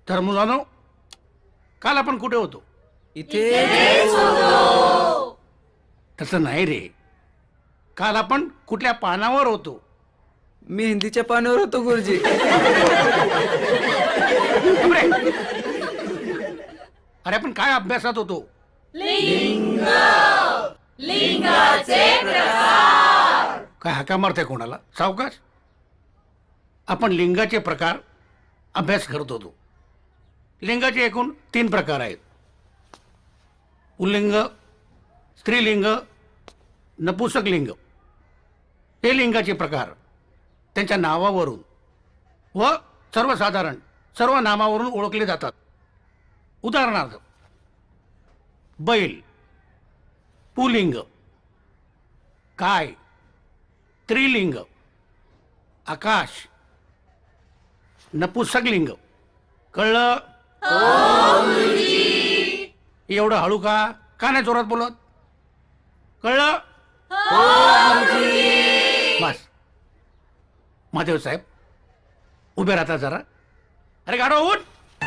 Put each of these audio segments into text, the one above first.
तर मुलांनो, काल आपण कुठे होतो? इथे तसं नाही रे. काल आपण कुठल्या पानावर होतो? मेहंदीच्या पानावर होतो गुरुजी. अरे अरे, आपण काय अभ्यासात होतो? काय हाका मारते कोणाला? सावकाश. आपण लिंगाचे प्रकार अभ्यास करत होतो. लिंगाचे एकूण 3 प्रकार आहेत: पुल्लिंग, स्त्रीलिंग, नपुंसक लिंग. हे लिंगाचे प्रकार त्यांच्या नावावरून व सर्वसाधारण सर्व नामावरून ओळखले जातात. उदाहरणार्थ, बैल पुलिंग, काय स्त्रीलिंग, आकाश नपुंसक लिंग. कळलं? एवढं हळू का? का नाही जोरात बोलत? कळलं? बस. महादेव साहेब उभे राहता जरा. अरे गाडो उठ.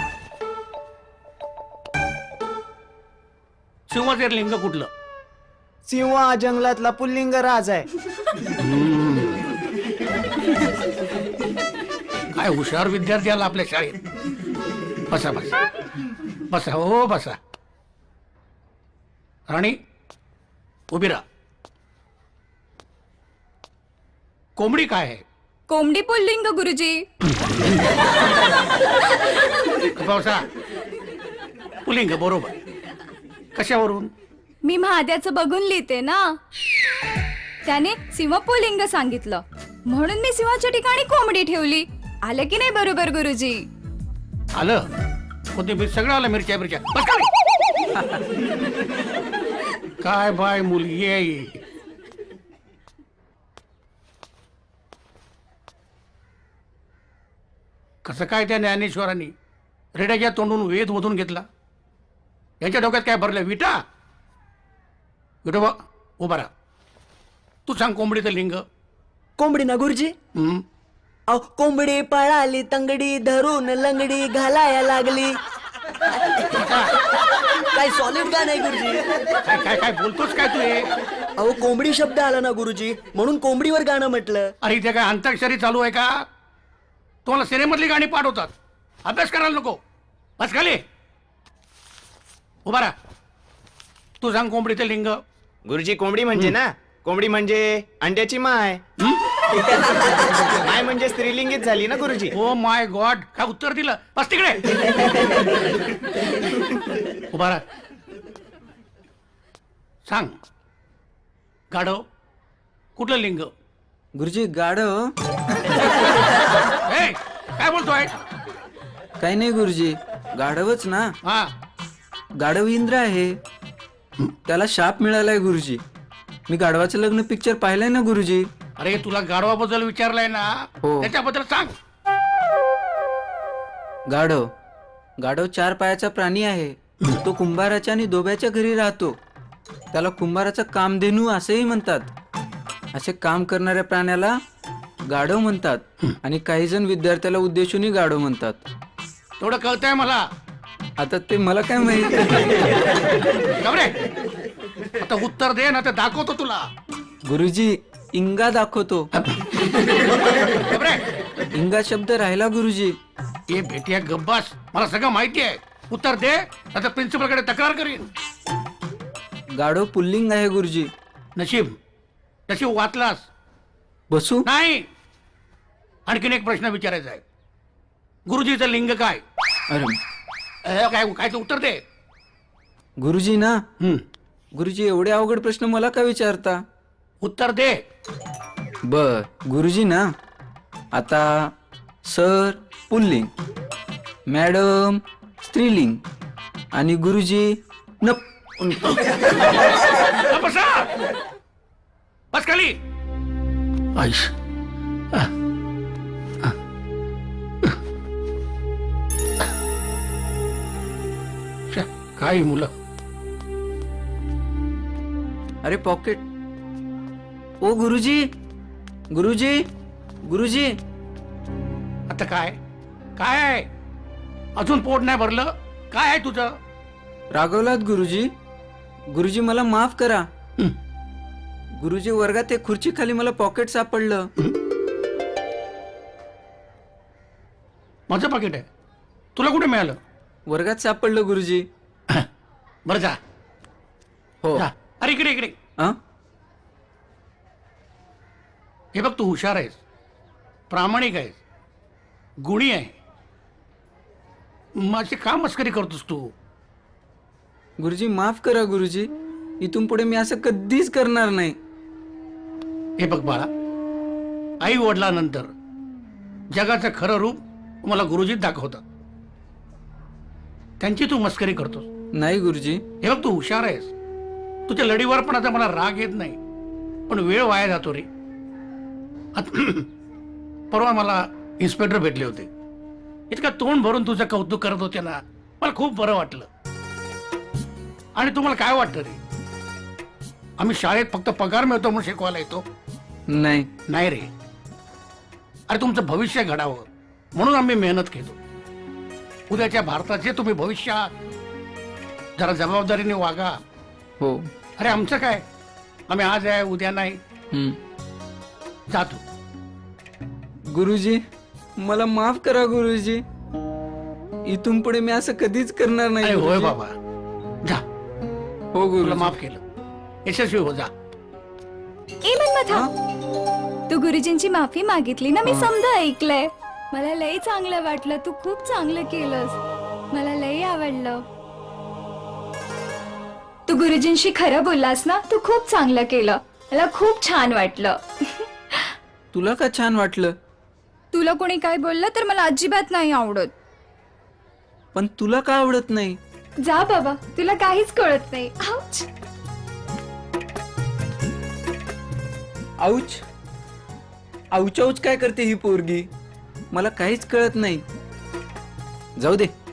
सिंहाचे लिंग कुठलं? सिंह हा जंगलातला पुल्लिंग राज आहे. काय हुशार विद्यार्थी आला आपल्या शाळेत. बसा बसा बसा. हो बसा. राणी उभी राहा. कोंबडी काय आहे? कोंबडी पुल्लिंग गुरुजी. बसा. पुलिंग बरोबर. कशावरून? मी महाद्याचं बघून लिहिते ना. त्याने सिंह पुल्लिंग सांगितलं म्हणून मी सिंहाच्या ठिकाणी कोंबडी ठेवली. आलं की नाही बरोबर गुरुजी? आलं. कोथिंबीर सगळं आलं. मिरच्या मिरच्या. बस का रे? काय बाय मुलगी आहे. कसं काय त्या ज्ञानेश्वरांनी रेड्याच्या तोंडून वेद मधून घेतला? यांच्या डोक्यात काय भरलं? विटा. विठोबा उभा राहा. तू सांग कोंबडीचं लिंग. कोंबडी ना गुरुजी. अहो कोंबडी पळाली तंगडी धरून लंगडी घालाया लागली. काय सॉलिड गाणं आहे गुरुजी. काय काय काय बोलतोस काय तू हे? अहो कोंबडी शब्द आला ना गुरुजी म्हणून कोंबडीवर गाणं म्हटलं. अरे इथे काय अंताक्षरी चालू आहे का? तुम्हाला सिनेमातली गाणी पाठवतात. अभ्यास करायला नको. बस खाली. उभा राहा. तू सांग कोंबडीचं लिंग. गुरुजी कोंबडी म्हणजे ना, कोंबडी म्हणजे अंड्याची माय. माय म्हणजे स्त्रीलिंगीच झाली ना गुरुजी. ओ माय गॉड, काय उत्तर दिलं. बस तिकडे. उभा राहा. सांग गाढव कुठलं लिंग? गुरुजी गाढव ए, काय बोलतोय? काही नाही गुरुजी, गाढवच ना. हा. गाढव इंद्र आहे. त्याला शाप मिळालाय गुरुजी. मी गाढवाचं लग्न पिक्चर पाहिलंय ना गुरुजी. अरे तुला गाढवाबद्दल विचारलंय ना, हो. त्याच्याबद्दल सांग. गाढव गाढव 4 पायाचा प्राणी आहे. तो कुंभाराच्या आणि दोब्याच्या घरी राहतो. त्याला कुंभाराचा कामधेनू असेही म्हणतात. असे काम करणाऱ्या प्राण्याला गाढव म्हणतात आणि काही जण विद्यार्थ्याला उद्देशूनही गाढव म्हणतात. तेवढं कळतंय मला. आता ते मला काय माहित. गबरे, आता उत्तर दे ना, ते दाखवतो तुला. गुरुजी इंगा दाखवतो. गबरे, इंगा शब्द राहिला गुरुजी. ये भेटिया गब्बास, मला सगळं माहिती आहे. उत्तर दे, आता प्रिन्सिपल कडे तक्रार करीन. गाढव पुल्लिंग आहे गुरुजी. नशीब नशीब वाचलास. बसू. नाही, आणखीन एक प्रश्न विचारायचा आहे. गुरुजीचं लिंग काय? अरे काय काय ते उत्तर दे. गुरुजी ना. हम्म, गुरुजी एवढे अवघड प्रश्न मला का विचारता. उत्तर दे. बर गुरुजी ना. आता सर पुल्लिंग, मॅडम स्त्रीलिंग आणि गुरुजी बसा. बस खाली. आईश. काय मुलं. अरे पॉकेट. ओ गुरुजी गुरुजी गुरुजी. आता काय काय अजून पोट नाही भरलं? काय आहे तुझं? रागवलात गुरुजी? गुरुजी मला माफ करा. हं. गुरुजी वर्गात एक खुर्ची खाली मला पॉकेट सापडलं. माझं पाकिट आहे. तुला कुठे मिळालं? वर्गात सापडलं गुरुजी. बरं जा. हो. जा. अरे इकडे इकडे. अं? हे बघ, तू हुशार आहेस, प्रामाणिक आहेस, गुणी आहे. माझी का मस्करी करतोस तू? गुरुजी माफ करा गुरुजी. इथून पुढे मी असं कधीच करणार नाही. हे बघ बाळा, आई वडिलांनंतर जगाचं खरं रूप मला गुरुजीत दाखवतात. त्यांची तू मस्करी करतोस. नाही गुरुजी. हे बघ, तू हुशार आहेस, तुझ्या लढीवर पण आता मला राग येत नाही, पण वेळ वाया जातो रे. परवा मला इन्स्पेक्टर भेटले होते. इतका तोंड भरून तुझं कौतुक करत होते ना, मला खूप बरं वाटलं. आणि तुम्हाला काय वाटतं रे? आम्ही शाळेत फक्त पगार मिळतो म्हणून शिकवायला येतो? नाही. नाही रे. अरे तुमचं भविष्य घडावं म्हणून आम्ही मेहनत घेतो. उद्याच्या भारताचे तुम्ही भविष्य आहात. जरा जबाबदारीने वागा. हो. अरे आमचं काय, आम्ही आज आहे उद्या नाही. हं. जातो. गुरुजी मला माफ करा गुरुजी. इथून पुढे मी असं कधीच करणार नाही. अरे होय गुरुजी. बाबा, जा. हो तुला गुरुजी. माफ केलं. यशस्वी हो, जा. ए मन्मथा, तू गुरुजींची माफी मागितली ना, मी समजा ऐकलंय. मला लई चांगलं वाटलं. तू खूप चांगलं केलंस. मला लई आवडलं. तू गुरुजींशी खरं बोललास ना, तू खूप चांगलं केलं. मला खूप छान वाटलं. तुला का छान वाटलं? तुला कोणी काय बोललं तर मला अजिबात नाही आवडत. पण तुला का आवडत नाही? जा बाबा, तुला काहीच कळत नाही. आउच. आऊच आऊच आऊच काय करते ही पोरगी? मला काहीच कळत नाही. जाऊ दे.